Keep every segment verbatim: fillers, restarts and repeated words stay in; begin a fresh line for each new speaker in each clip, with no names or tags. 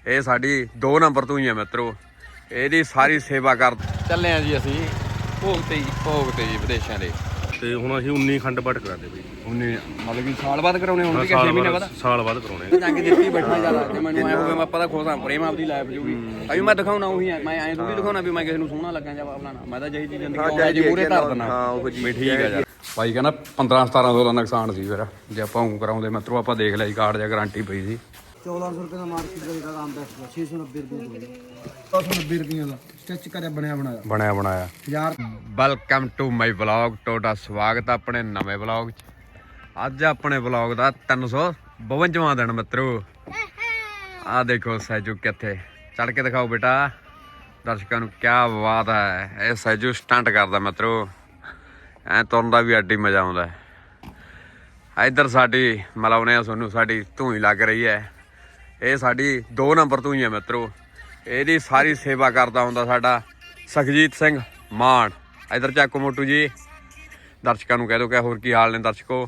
ਇਹ ਸਾਡੀ ਦੋ ਨੰਬਰ ਤੋਂ ਹੀ ਆ ਮਿੱਤਰੋ। ਇਹਦੀ ਸਾਰੀ ਸੇਵਾ ਕਰ ਚੱਲੇ ਆ ਜੀ ਅਸੀਂ ਭੋਗ ਤੇ ਜੀ ਭੋਗ ਤੇ ਜੀ ਵਿਦੇਸ਼ਾਂ ਦੇ।
ਤੇ ਹੁਣ ਅਸੀਂ ਉੱਨੀ ਖੰਡ ਪਾਠ ਕਰਾਦੇ ਬਈ।
ਉੱਨੀ ਮਤਲਬ ਕਿ ਸਾਲ ਬਾਅਦ ਕਰਾਉਣੇ ਹੁਣ ਕਿ ਛੇ ਮਹੀਨੇ ਬਾਅਦ
ਸਾਲ ਬਾਅਦ ਕਰਾਉਣੇ
ਜੰਗ ਜਿੱਤੀ ਬੈਠਣਾ ਜ਼ਿਆਦਾ ਤੇ ਮੈਨੂੰ ਐ ਹੋਵੇ ਮੈਂ ਪਤਾ ਖੋਸਾਂ ਪ੍ਰੇਮ ਆਪਦੀ ਲਾਈਫ ਜੂਗੀ ਅਭੀ ਮੈਂ ਦਿਖਾਉਣਾ ਉਹੀ ਮੈਂ ਐਂ ਥੋੜੀ ਦਿਖਾਉਣਾ ਵੀ ਮੈਂ ਕਿਸੇ ਨੂੰ ਸੋਹਣਾ ਲੱਗਾ ਜਾਂ ਆਪਣਾ ਮੈਂ ਤਾਂ ਜਿਹੀ ਚੀਜ਼ ਜ਼ਿੰਦਗੀ ਜੀ ਮੂਰੇ ਧਰ ਦਿੰਦਾ। ਹਾਂ ਉਹ ਜੀ ਠੀਕ ਆ ਯਾਰ। ਭਾਈ ਕਹਿੰਦਾ ਪੰਦਰਾਂ ਸਤਾਰਾਂ ਸੌ ਦਾ ਨੁਕਸਾਨ ਸੀ ਫਿਰ ਜੇ ਆਪਾਂ ਉਹ ਕਰਾਉਂਦੇ ਮਿੱਤਰੋ। ਆਪਾਂ ਦੇਖ ਲਿਆ ਜੀ ਕਾਰਡ ਜਾਂ ਗਾਰੰਟੀ ਪਈ ਸੀ।
ਚੌਦਾਂ ਸੌ ਰੁਪਏ ਦਾ ਮਾਰਕੀਟ ਰੇਟ ਦਾ ਕੰਮ ਬੈਠਦਾ ਛੇ ਸੌ ਨੱਬੇ ਰੁਪਏ ਦਾ ਛੇ ਸੌ ਨੱਬੇ ਰੁਪਏ ਦਾ ਸਟਿਚ ਕਰਿਆ ਬਣਿਆ ਬਣਾਇਆ
ਬਣਿਆ ਬਣਾਇਆ
ਯਾਰ।
Welcome to my vlog. ਤੁਹਾਡਾ ਸਵਾਗਤ ਹੈ ਆਪਣੇ ਨਵੇਂ ਵਲੌਗ 'ਚ। ਅੱਜ ਆਪਣੇ ਵਲੌਗ ਦਾ ਤਿੰਨ ਸੌ ਬਵੰਜਵਾਂ ਦਿਨ ਮਿੱਤਰੋ। ਆਹ ਦੇਖੋ ਸੈਜੂ ਕਿੱਥੇ ਚੜ ਕੇ ਦਿਖਾਓ ਬੇਟਾ ਦਰਸ਼ਕਾਂ ਨੂੰ। ਕਿਆ ਬਾਤ ਹੈ। ਇਹ ਸੈਜੂ ਸਟੰਟ ਕਰਦਾ ਮਿੱਤਰੋ। ਐ ਤੁਰਨ ਦਾ ਵੀ ਅੱਡੀ ਮਜ਼ਾ ਆਉਂਦਾ ਹੈ। ਇੱਧਰ ਸਾਡੀ ਮਿਲਾਉਣੇ ਆ ਤੁਹਾਨੂੰ ਸਾਡੀ ਧੂਈ ਲੱਗ ਰਹੀ ਹੈ। ਇਹ ਸਾਡੀ ਦੋ ਨੰਬਰ ਤੋਂ ਹੀ ਹੈ ਮਿੱਤਰੋ। ਇਹਦੀ ਸਾਰੀ ਸੇਵਾ ਕਰਦਾ ਹੁੰਦਾ ਸਾਡਾ ਸੁਖਜੀਤ ਸਿੰਘ ਮਾਨ। ਇੱਧਰ ਚੱਕੋ ਮੋਟੂ ਜੀ ਦਰਸ਼ਕਾਂ ਨੂੰ ਕਹਿ ਦੋ ਕਿ ਹੋਰ ਕੀ ਹਾਲ ਨੇ ਦਰਸ਼ਕੋ।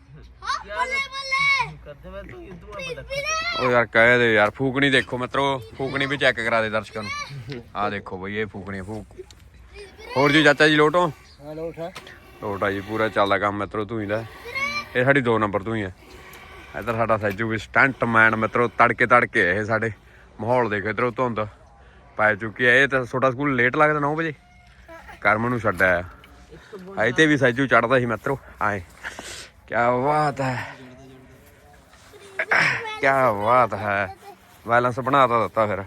ਉਹ ਯਾਰ ਕਹਿ ਦੇ ਯਾਰ। ਫੂਕਣੀ ਦੇਖੋ ਮਿੱਤਰੋ। ਫੂਕਣੀ ਵੀ ਚੈੱਕ ਕਰਾ ਦੇ ਦਰਸ਼ਕਾਂ ਨੂੰ। ਆਹ ਦੇਖੋ ਬਈ ਇਹ ਫੂਕਣੀ ਫੂਕ। ਹੋਰ ਜੀ ਚਾਚਾ ਜੀ ਲੋਟੋ ਲੋਟ ਆ ਜੀ। ਪੂਰਾ ਚੱਲਦਾ ਕੰਮ ਮਿੱਤਰੋ ਧੂਈ ਦਾ। ਇਹ ਸਾਡੀ ਦੋ ਨੰਬਰ ਤੋਂ ਹੀ ਹੈ। ਇੱਧਰ ਸਾਡਾ ਸੈਜੂ ਵੀ ਸਟੰਟ ਮੈਨ ਮਿੱਤਰੋ। ਤੜਕੇ ਤੜਕੇ ਇਹ ਸਾਡੇ ਮਾਹੌਲ ਦੇਖੋ। ਇੱਧਰੋਂ ਧੁੰਦ ਪੈ ਚੁੱਕੀ ਹੈ। ਇਹ ਤਾਂ ਤੁਹਾਡਾ ਸਕੂਲ ਲੇਟ ਲੱਗਦਾ ਨੌ ਵਜੇ ਕਰਮ ਨੂੰ ਛੱਡਿਆ ਆਏ ਤੇ ਵੀ ਸੈਜੂ ਚੜਦਾ ਸੀ ਮਿੱਤਰੋ। ਆਏ ਕਿਆ ਬਾਤ ਹੈ ਕਿਆ ਬਾਤ ਹੈ। ਬੈਲੈਂਸ ਬਣਾ ਤਾਂ ਦਿੱਤਾ ਫਿਰ।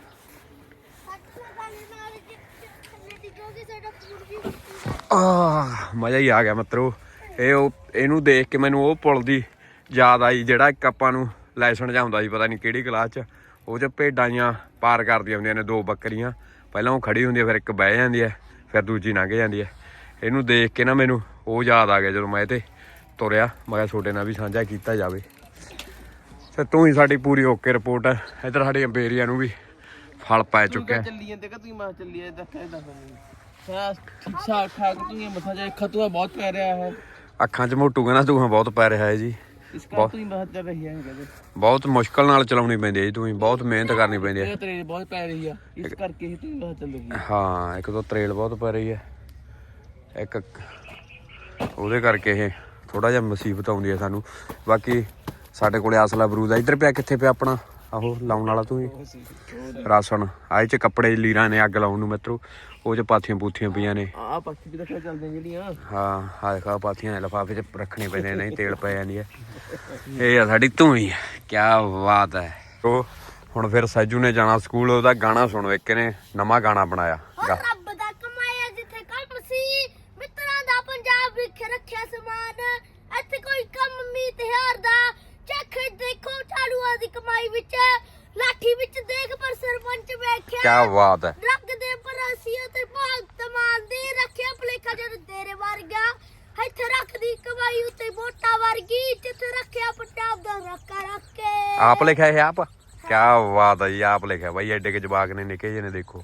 ਆਹ ਮਜ਼ਾ ਹੀ ਆ ਗਿਆ ਮਿੱਤਰੋ। ਇਹ ਉਹ ਇਹਨੂੰ ਦੇਖ ਕੇ ਮੈਨੂੰ ਉਹ ਪੁਲ ਦੀ ਯਾਦ ਆਈ ਜਿਹੜਾ ਇੱਕ ਆਪਾਂ ਨੂੰ ਲੈਸਨ ਜਿਹਾ ਹੁੰਦਾ ਸੀ ਪਤਾ ਨਹੀਂ ਕਿਹੜੀ ਕਲਾਸ 'ਚ। ਉਹ 'ਚ ਭੇਡਾਂ ਜਿਹੀਆਂ ਪਾਰ ਕਰਦੀਆਂ ਹੁੰਦੀਆਂ ਨੇ ਦੋ ਬੱਕਰੀਆਂ। ਪਹਿਲਾਂ ਉਹ ਖੜੀ ਹੁੰਦੀ ਹੈ ਫਿਰ ਇੱਕ ਬਹਿ ਜਾਂਦੀ ਹੈ ਫਿਰ ਦੂਜੀ ਲੰਘ ਜਾਂਦੀ ਹੈ। ਇਹਨੂੰ ਦੇਖ ਕੇ ਨਾ ਮੈਨੂੰ ਉਹ ਯਾਦ ਆ ਗਿਆ ਜਦੋਂ ਮੈਂ ਇਹ 'ਤੇ ਤੁਰਿਆ। ਮੈਂ ਕਿਹਾ ਤੁਹਾਡੇ ਨਾਲ ਵੀ ਸਾਂਝਾ ਕੀਤਾ ਜਾਵੇ। ਤੇ ਤੂੰ ਹੀ ਸਾਡੀ ਪੂਰੀ ਓਕੇ ਰਿਪੋਰਟ ਹੈ। ਇੱਧਰ ਸਾਡੀ ਅੰਬੇਰੀਆ ਨੂੰ ਵੀ ਫਲ ਪੈ ਚੁੱਕਿਆ।
ਚੱਲੀ ਜਾਂਦੇ ਕਿ ਤੁਸੀਂ ਮਾਂ ਚੱਲੀ ਜਾਂਦੇ ਦੱਸਿਆ ਦੱਸ ਖਾ ਖਾ ਕੇ ਤੁਸੀਂ ਮਸਾ ਜਾ ਖਤੂਆ ਬਹੁਤ ਪੈ ਰਿਹਾ ਹੈ
ਅੱਖਾਂ 'ਚ ਮੋਟੂ ਕਹਿੰਦਾ ਧੂਆਂ ਬਹੁਤ ਪੈ ਰਿਹਾ ਹੈ ਜੀ।
ਇਸ ਕਰਕੇ ਤੁਸੀਂ ਬਹੁਤ ਚੱਲ ਰਹੀ ਹੈ ਕਹਿੰਦੇ
ਬਹੁਤ ਮੁਸ਼ਕਲ ਨਾਲ ਚਲਾਉਣੀ ਪੈਂਦੀ ਹੈ ਜੀ। ਤੁਸੀਂ ਬਹੁਤ ਮਿਹਨਤ ਕਰਨੀ ਪੈਂਦੀ ਹੈ।
ਤਰੇਲ ਬਹੁਤ ਪੈ ਰਹੀ ਆ ਇਸ ਕਰਕੇ ਹੀ ਤੁਸੀਂ ਬਹੁਤ ਚੱਲੂਗੀ।
ਹਾਂ ਇੱਕ ਤਾਂ ਤਰੇਲ ਬਹੁਤ ਪੈ ਰਹੀ ਹੈ। ਇੱਕ ਉਹਦੇ ਕਰਕੇ ਇਹ ਥੋੜਾ ਜਿਹਾ ਮੁਸੀਬਤ ਆਉਂਦੀ ਹੈ ਸਾਨੂੰ। ਬਾਕੀ ਸਾਡੇ ਕੋਲੇ ਅਸਲਾ ਬਰੂਦ ਆ। ਇੱਧਰ ਪਿਆ ਕਿੱਥੇ ਪਿਆ ਆਪਣਾ ਆਹੋ ਲਾਉਣ ਵਾਲਾ ਤੂੰ ਰਾਸ਼ਨ। ਆਹ 'ਚ ਕੱਪੜੇ ਲੀਰਾਂ ਨੇ ਅੱਗ ਲਾਉਣ ਨੂੰ ਮਿੱਤਰੋ। ਉਹ 'ਚ ਪਾਥੀਆਂ ਪੂਥੀਆਂ ਪਈਆਂ ਨੇ।
ਆਹ ਪਾਥੀ ਵੀ ਰੱਖਿਆ ਚੱਲਦੀਆਂ ਜਿਹੜੀਆਂ।
ਹਾਂ ਹਾਂ ਖਾ ਪਾਥੀਆਂ ਲਿਫਾਫੇ 'ਚ ਰੱਖਣੇ ਪੈਂਦੇ ਨਹੀਂ ਤੇਲ ਪੈ ਜਾਂਦੀ ਹੈ। ਇਹ ਆ ਸਾਡੀ ਧੂਈ। ਕਿਆ ਬਾਤ ਹੈ। ਉਹ ਹੁਣ ਫਿਰ ਸੈਜੂ ਨੇ ਜਾਣਾ ਸਕੂਲ। ਉਹਦਾ ਗਾਣਾ ਸੁਣੋ। ਇੱਕ ਨੇ ਨਵਾਂ ਗਾਣਾ ਬਣਾਇਆ।
ਰੱਬ ਦਾ ਕਮਾਇਆ ਜਿੱਥੇ ਕੰਮ ਸੀ ਮਿੱਤਰਾਂ ਦਾ ਪੰਜਾਬ ਵਿਖ ਰੱਖਿਆ ਸਮਾਨ। ਇੱਥੇ ਕੋਈ ਕੰਮ ਨਹੀਂ ਤਿਹਾਰ ਦਾ ਚੱਖ ਦੇਖੋ ਝਾੜੂਆਂ ਦੀ ਕਮਾਈ ਵਿੱਚ ਲਾਠੀ ਵਿੱਚ ਦੇਖ ਪਰ ਸਰਪੰਚ ਵੇਖਿਆ।
ਕਿਆ ਬਾਤ ਹੈ।
ਰੱਗ ਦੇ ਪਰਾਸੀਆਂ ਤੇ ਭਗਤ ਮਾਨ ਦੇ ਰੱਖਿਆ ਭਲੇਖਾ ਜਦ ਤੇਰੇ ਵਰਗਾ ਇੱਥੇ ਰੱਖਦੀ ਕਮਾਈ ਉੱਤੇ ਵੋਟਾਂ ਵਰਗੀ ਜਿੱਥੇ ਰੱਖਿਆ ਪੰਜਾਬ ਦਾ ਰੱਖਾ ਰੱਖ ਕੇ।
ਆਪ ਲਿਖਿਆ ਇਹ ਆਪ। ਕਿਆ ਬਾਤ ਹੈ ਜੀ। ਆਪ ਲਿਖਿਆ ਬਾਈ। ਐਡੇ ਕੇ ਜਵਾਕ ਨੇ ਨਿੱਕੇ ਜਿਹੇ ਨੇ ਦੇਖੋ।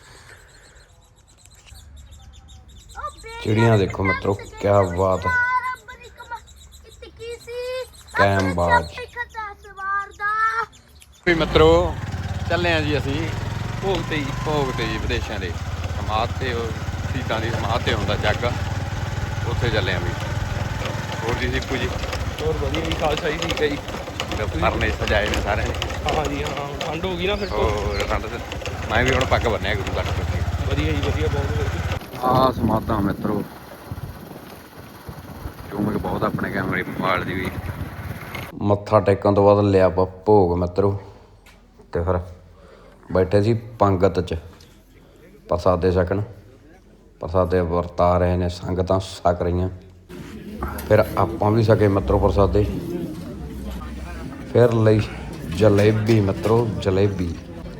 ਚਿੜੀਆਂ ਦੇਖੋ ਮਿੱਤਰੋ। ਕਿਆ ਬਾਤ ਹੈ। ਕੈਮ ਬਾਜ ਵੀ ਮਿੱਤਰੋ ਚੱਲੇ ਆ ਜੀ ਅਸੀਂ ਭੋਗ ਤੇ ਜੀ ਭੋਗ ਤੇ ਜੀ ਵਿਦੇਸ਼ਾਂ ਦੇ ਸਮਾਧ ਤੇ ਉਹ ਸ਼ਹੀਦਾਂ ਦੀ ਸਮਾਧ ਤੇ ਹੁੰਦਾ ਜੱਗ ਉੱਥੇ ਚੱਲੇ ਆ ਵੀ। ਹੋਰ ਜੀ ਦੀਪੂ ਜੀ
ਹੋਰ ਵਧੀਆ ਜੀ ਖਾਲਸਾ ਜੀ ਠੀਕ ਹੈ ਜੀ।
ਪਰਨੇ ਸਜਾਏ ਨੇ ਸਾਰਿਆਂ ਨੇ।
ਹਾਂ ਜੀ ਹਾਂ ਠੰਡ ਹੋ ਗਈ ਨਾ ਫਿਰ
ਹੋਰ ਠੰਡ ਮੈਂ ਵੀ ਹੁਣ ਪੱਗ ਬੰਨਿਆ ਗੁਰੂ ਘਰ ਤੋਂ।
ਵਧੀਆ ਜੀ ਵਧੀਆ ਬਹੁਤ ਵਧੀਆ।
ਆਹ ਸਮਾਧਾਂ ਮਿੱਤਰੋ ਚੂਮਕ ਬਹੁਤ ਆਪਣੇ ਕੈਮਰੇ ਮੋਬਾਈਲ ਦੀ ਵੀ। ਮੱਥਾ ਟੇਕਣ ਤੋਂ ਬਾਅਦ ਲਿਆ ਆਪਾਂ ਭੋਗ ਮਿੱਤਰੋ। ਤੇ ਫਿਰ ਬੈਠੇ ਸੀ ਪੰਗਤ 'ਚ ਪ੍ਰਸਾਦੇ ਛਕਣ। ਪ੍ਰਸਾਦੇ ਵਰਤਾ ਰਹੇ ਨੇ ਸੰਗਤਾਂ ਛਕ ਰਹੀਆਂ। ਫਿਰ ਆਪਾਂ ਵੀ ਛਕੇ ਮਿੱਤਰੋ ਪ੍ਰਸਾਦੇ। ਫਿਰ ਲਈ ਜਲੇਬੀ ਮਿੱਤਰੋ ਜਲੇਬੀ।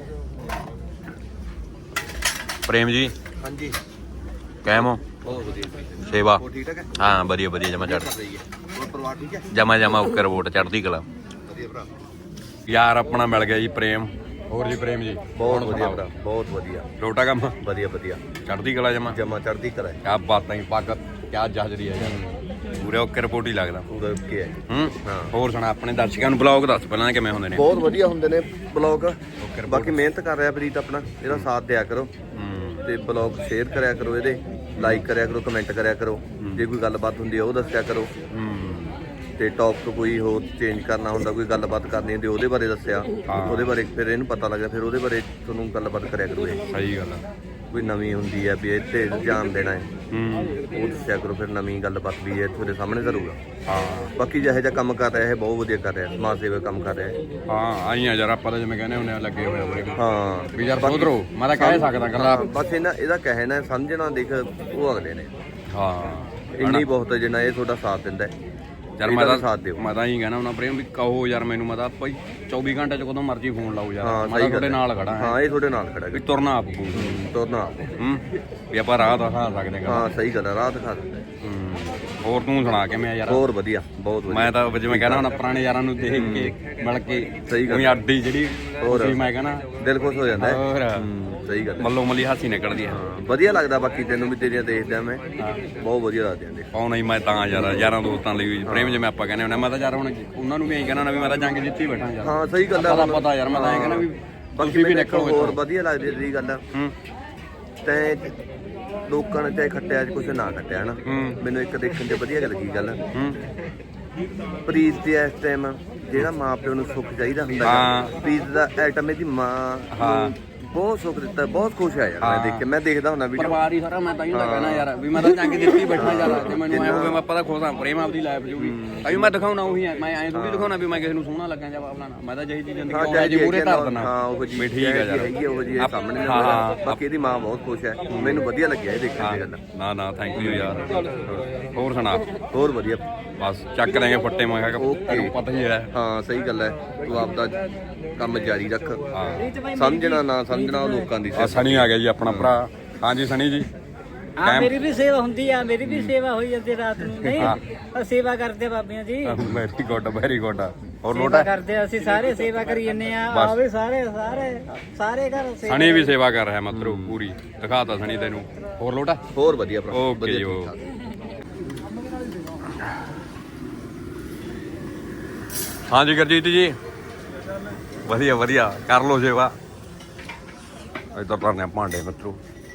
ਪ੍ਰੇਮ ਜੀ
ਹਾਂਜੀ
ਕਾਇਮ ਹੋ।
ਬਹੁਤ ਵਧੀਆ
ਸੇਵਾ
ਠੀਕ ਠਾਕ ਹੈ।
ਹਾਂ ਵਧੀਆ ਵਧੀਆ ਜਮਾ ਚੜ੍ਹ
ਹੋਰ ਪਰਿਵਾਰ ਠੀਕ ਹੈ।
ਜਮਾ ਜਮਾ ਉੱਕਰ ਵੋਟ ਚੜ੍ਹਦੀ ਕਲਾ।
ਵਧੀਆ ਭਰਾ
ਯਾਰ ਆਪਣਾ ਮਿਲ ਗਿਆ ਜੀ ਪ੍ਰੇਮ। ਹੋਰ ਜੀ ਪ੍ਰੇਮ ਜੀ
ਬਹੁਤ ਵਧੀਆ ਭਰਾ ਬਹੁਤ ਵਧੀਆ
ਲੋਟਾ ਕੰਮ
ਵਧੀਆ ਵਧੀਆ
ਚੜ੍ਹਦੀ ਕਲਾ ਜਮਾ
ਜਮਾ ਚੜ੍ਹਦੀ ਕਲਾ।
ਕਿਆ ਬਾਤਾਂ ਹੀ ਪੱਗ ਕਿਆ ਜਹਜਰੀ ਹੈ ਯਾਰ। ਪੂਰੇ ਓਕੇ ਰਿਪੋਰਟ ਹੀ ਲੱਗਦਾ
ਪੂਰਾ ਕੀ ਹੈ
ਹੂੰ ਹੋਰ ਸੁਣਾ ਆਪਣੇ ਦਰਸ਼ਕਾਂ ਨੂੰ ਬਲੌਗ ਦੱਸ ਪਹਿਲਾਂ ਕਿਵੇਂ ਹੁੰਦੇ ਨੇ
ਬਹੁਤ ਵਧੀਆ ਹੁੰਦੇ ਨੇ ਬਲੌਗ
ਓਕੇ
ਬਾਕੀ ਮਿਹਨਤ ਕਰ ਰਿਹਾ ਪ੍ਰੀਤ ਆਪਣਾ ਇਹਦਾ ਸਾਥ ਦਿਆ ਕਰੋ
ਹੂੰ
ਤੇ ਬਲੌਗ ਸ਼ੇਅਰ ਕਰਿਆ ਕਰੋ ਇਹਦੇ ਲਾਈਕ ਕਰਿਆ ਕਰੋ ਕਮੈਂਟ ਕਰਿਆ ਕਰੋ ਜੇ ਕੋਈ ਗੱਲਬਾਤ ਹੁੰਦੀ ਹੈ ਉਹ ਦੱਸਿਆ ਕਰੋ
ਹੂੰ
ਤੇ ਟੌਪਿਕ ਕੋਈ ਹੋਰ ਚੇਂਜ ਕਰਨਾ ਹੁੰਦਾ ਕੋਈ ਗੱਲਬਾਤ ਕਰਨੀ ਹੁੰਦੀ ਉਹਦੇ ਬਾਰੇ ਦੱਸਿਆ ਉਹਦੇ ਬਾਰੇ ਫਿਰ ਇਹਨੂੰ ਪਤਾ ਲੱਗਿਆ ਫਿਰ ਉਹਦੇ ਬਾਰੇ ਤੁਹਾਨੂੰ ਗੱਲਬਾਤ ਕਰਿਆ ਕਰੋ ਇਹ
ਸਹੀ ਗੱਲ ਆ
ਕੋਈ ਨਵੀਂ ਹੁੰਦੀ ਹੈ ਵੀ ਇੱਥੇ ਧਿਆਨ ਦੇਣਾ ਹੈ
ਹੂੰ
ਉਹ ਦੱਸਿਆ ਕਰੋ ਫਿਰ ਨਵੀਂ ਗੱਲਬਾਤ ਵੀ ਇਹ ਤੁਹਾਡੇ ਸਾਹਮਣੇ ਕਰੂਗਾ
ਹਾਂ
ਬਾਕੀ ਜਿਹੋ ਜਿਹਾ ਕੰਮ ਕਰ ਰਿਹਾ ਇਹ ਬਹੁਤ ਵਧੀਆ ਕਰ ਰਿਹਾ ਸਮਾਜ ਸੇਵਾ ਕੰਮ ਕਰ ਰਿਹਾ ਹੈ
ਹਾਂ ਆਈਆਂ ਯਾਰ ਆਪਾਂ ਤਾਂ ਜਿਵੇਂ ਕਹਿੰਦੇ ਹੁੰਦੇ ਆ ਲੱਗੇ ਹੋਏ ਹੋਏ
ਹਾਂ
ਵੀ ਯਾਰ ਸੋਧਰੋ ਮੈਂ ਤਾਂ ਕਹਿ ਸਕਦਾ ਗੱਲਾਂ
ਬਸ ਇਹਨਾਂ ਇਹਦਾ ਕਹਿਣਾ ਸਮਝਣਾ ਦੇਖ ਉਹ ਅਗਲੇ ਨੇ
ਹਾਂ
ਇੰਨੀ ਬਹੁਤ ਹੈ ਜਿੰਨਾ ਇਹ ਤੁਹਾਡਾ ਸਾਥ ਦਿੰਦਾ ਹੈ
ਯਾਰ ਮੈਂ
ਇਹਦਾ
ਤਾਂ
ਵੀ ਸਾਥ ਦਿਓ
ਮੈਂ ਤਾਂ ਹੀ ਕਹਿਣਾ ਹੁੰਦਾ ਪ੍ਰੇਮ ਵੀ ਕਹੋ ਯਾਰ ਮੈਨੂੰ ਮੈਂ ਤਾਂ ਭਾਈ ਚੌਵੀ ਘੰਟੇ ਚ ਕਦੋਂ ਮਰਜ਼ੀ ਫੋਨ ਲਾਓ ਯਾਰ
ਹਾਂ
ਮੈਂ
ਸਹੀ
ਤਾਂ
ਗੱਲ
ਤੁਹਾਡੇ
ਹੈ।
ਨਾਲ ਖੜਾ ਹਾਂ
ਹਾਂ ਇਹ ਤੁਹਾਡੇ ਨਾਲ ਖੜਾ
ਵੀ
ਹੈ
ਤੁਰਨਾ ਆਪ ਪਊ
ਤੁਰਨਾ ਆਪ।
ਹੂੰ ਵੀ ਆਪਾਂ ਰਾਹ ਦਿਖਾ ਸਕਦੇ ਹਾਂ
ਹਾਂ ਸਹੀ ਗੱਲ ਹੈ ਰਾਹ ਦਿਖਾ ਦਿੰਦਾ ਹੈ।
ਹੂੰ ਹੋਰ ਤੂੰ ਸੁਣਾ ਕਿਵੇਂ ਆ ਯਾਰ
ਹੋਰ ਵਧੀਆ ਬਹੁਤ ਵਧੀਆ
ਮੈਂ ਤਾਂ ਜਿਵੇਂ ਕਹਿਣਾ ਹੁੰਦਾ ਪੁਰਾਣੇ ਯਾਰਾਂ ਨੂੰ ਦੇਖ ਕੇ ਮਿਲ ਕੇ
ਸਹੀ ਗੱਲ।
ਉਹੀ ਅੱਡੀ ਜਿਹੜੀ
ਹੋਰ।
ਤੁਸੀਂ ਮੈਂ ਕਹਿਣਾ
ਦਿਲ ਖੁਸ਼ ਹੋ ਜਾਂਦਾ ਹੈ
ਹੋਰ
ਹੂੰ, ਸਹੀ ਗੱਲ ਹੈ।
ਮੱਲੋ ਮੱਲੀ ਹਾਸੀ ਨਿਕਲਦੀ ਹੈ
ਹਾਂ, ਵਧੀਆ ਲੱਗਦਾ ਬਾਕੀ ਤੈਨੂੰ ਵੀ ਤੇਰੀਆਂ ਦੇਖਦਾ ਮੈਂ ਬਹੁਤ ਵਧੀਆ ਲੱਗਦੀਆਂ ਦੇਖ
ਪਾਉਣਾ ਹੀ ਮੈਂ ਤਾਂ ਯਾਰ ਯਾਰਾਂ ਦੋਸਤਾਂ ਲਈ ਪ੍ਰੇਮ ਜਿਵੇਂ ਆਪਾਂ ਕਹਿੰਦੇ ਹੁੰਦੇ ਮੈਂ ਤਾਂ ਯਾਰ ਹੁਣ ਉਹਨਾਂ ਨੂੰ ਵੀ ਇਹੀ ਕਹਿਣਾ ਨਾ ਵੀ ਮੈਂ ਤਾਂ ਜੰਗ ਜਿੱਤੀ ਬੈਠਾ ਯਾਰ
ਹਾਂ ਸਹੀ ਗੱਲ ਹੈ
ਪਤਾ ਪਤਾ ਯਾਰ ਮੈਂ ਤਾਂ ਇਹ ਕਹਿਣਾ ਵੀ
ਬਾਕੀ
ਤੁਸੀਂ ਵੀ
ਮੈਨੂੰ
ਨਿਕਲੋ
ਹੋਰ
ਇੱਥੋਂ।
ਵਧੀਆ ਲੱਗਦੀ ਤੇਰੀ ਗੱਲ
ਹੂੰ
ਤੈਂ ਲੋਕਾਂ ਨੇ ਚਾਹੇ ਖੱਟਿਆ ਅੱਜ ਕੁਛ ਨਾ ਖੱਟਿਆ ਹਨਾ
ਹੂੰ।
ਮੈਨੂੰ ਇੱਕ ਦੇਖਣ ਤੇ ਵਧੀਆ ਲੱਗੀ ਗੱਲ
ਹੂੰ
ਪ੍ਰੀਤ ਦੇ ਇਸ ਟਾਈਮ ਜਿਹੜਾ ਮਾਂ ਪਿਓ ਨੂੰ ਸੁੱਖ ਚਾਹੀਦਾ ਹੁੰਦਾ
ਹਾਂ।
ਗਾ, ਪ੍ਰੀਤ ਦਾ ਐਟਮ ਇਹਦੀ ਮਾਂ
ਹਾਂ।
ਨੂੰ ਬਹੁਤ ਸੁੱਖ ਦਿੱਤਾ ਬਹੁਤ ਖੁਸ਼ ਆ ਯਾਰ ਮੈਂ ਦੇਖ ਕੇ ਮੈਂ ਦੇਖਦਾ ਹੁੰਦਾ ਵੀਡੀਓ
ਪਰਿਵਾਰ ਹੀ ਸਾਰਾ ਮੈਂ ਤਾਂ ਹੀ ਤਾਂ ਕਹਿਣਾ ਯਾਰ ਵੀ ਮੈਂ ਤਾਂ ਜੰਗ ਜਿੱਤੀ ਬੈਠਾ ਯਾਰ ਤੇ ਮੈਨੂੰ ਐ ਹੋਵੇ ਮੈਂ ਪਤਾ ਖੁਸ਼ ਪ੍ਰੇਮ ਆਪਦੀ ਲਾਈਫ ਜੂਗੀ ਤਾਂ ਵੀ ਮੈਂ ਦਿਖਾਉਣਾ ਉਹੀ ਹੈ ਮੈਂ ਐਂ ਥੋੜੀ ਦਿਖਾਉਣਾ ਵੀ ਮੈਂ ਕਿਸੇ ਨੂੰ ਸੋਹਣਾ ਲੱਗਾਂ ਜਾਂ ਬਾਬਲਾ ਮੈਂ ਤਾਂ ਜਿਹੀ ਚੀਜ਼ ਜ਼ਿੰਦਗੀ
ਹਾਂ
ਆਉਂਦਾ ਜੀ ਮੂਰੇ ਧਰ ਦਿੰਦਾ
ਹਾਂ ਉਹ ਜੀ
ਵੀ ਠੀਕ ਹੈ ਯਾਰ
ਹੈਗੀ ਉਹ ਜੀ
ਆਪ-
ਸਾਹਮਣੇ
ਹਾਂ,
ਨਜ਼ਰ ਆ।
ਹਾਂ।
ਬਾਕੀ ਇਹਦੀ ਮਾਂ ਬਹੁਤ ਖੁਸ਼ ਹੈ ਮੈਨੂੰ ਵਧੀਆ ਲੱਗਿਆ ਇਹ ਦੇਖਣ ਦੀ ਗੱਲ
ਨਾ ਨਾ ਥੈਂਕ ਯੂ ਯਾਰ ਹੋਰ ਸੁਣਾ
ਹੋਰ ਵਧੀਆ
ਬਸ ਚੱਕ ਦੇਂਗੇ ਫੱਟੇ ਮੈਂ ਕਿਹਾ
ਓਕੇ।
ਤੈਨੂੰ ਪਤਾ ਹੀ ਹੈ
ਹਾਂ ਸਹੀ ਗੱਲ ਹੈ ਤੂੰ ਆਪਦਾ ਕੰਮ ਜਾਰੀ ਰੱਖ
ਹਾਂ
ਸਮਝਣਾ ਨਾ ਸਮਝਣਾ ਉਹ ਲੋਕਾਂ ਦੀ
ਆ ਸਣੀ ਆ ਗਿਆ ਜੀ ਆਪਣਾ ਭਰਾ ਹਾਂਜੀ ਸਣੀ ਜੀ
ਹਾਂ ਮੇਰੀ ਵੀ ਸੇਵਾ ਹੁੰਦੀ ਆ ਮੇਰੀ ਵੀ ਸੇਵਾ ਹੋਈ ਜਾਂਦੀ ਰਾਤ ਨੂੰ ਨਹੀਂ ਅਸੀਂ ਸੇਵਾ ਕਰਦੇ ਆ ਬਾਬਿਆਂ ਜੀ
ਵੈਰੀ ਗੁੱਡ ਵੈਰੀ ਗੁੱਡ ਹੋਰ
ਸੇਵਾ
ਲੋਟਾ
ਕਰਦੇ ਆ, ਅਸੀਂ ਸਾਰੇ ਸੇਵਾ ਕਰੀ ਜੰਨੇ ਆ
ਬਸ।
ਆਵੇ ਸਾਰੇ ਸਾਰੇ ਸਾਰੇ ਘਰ ਸੇਵਾ
ਸਣੀ ਵੀ ਸੇਵਾ ਕਰ ਰਿਹਾ ਮਤਰੂ ਪੂਰੀ ਦਿਖਾਤਾ ਸਣੀ ਤੈਨੂੰ ਹੋਰ ਲੋਟਾ
ਹੋਰ ਵਧੀਆ ਭਰਾ
ਓਕੇ
ਵਧੀਆ
ਜੀ
ਠੀਕ
ਉਹ
ਠਾਕ।
ਹਾਂਜੀ ਗੁਰਜੀਤ ਜੀ ਵਧੀਆ ਵਧੀਆ ਕਰ ਲੋ ਸੇਵਾ ਇੱਧਰ ਭਰਨੇ ਆ ਭਾਂਡੇ ਮਿੱਤਰੋ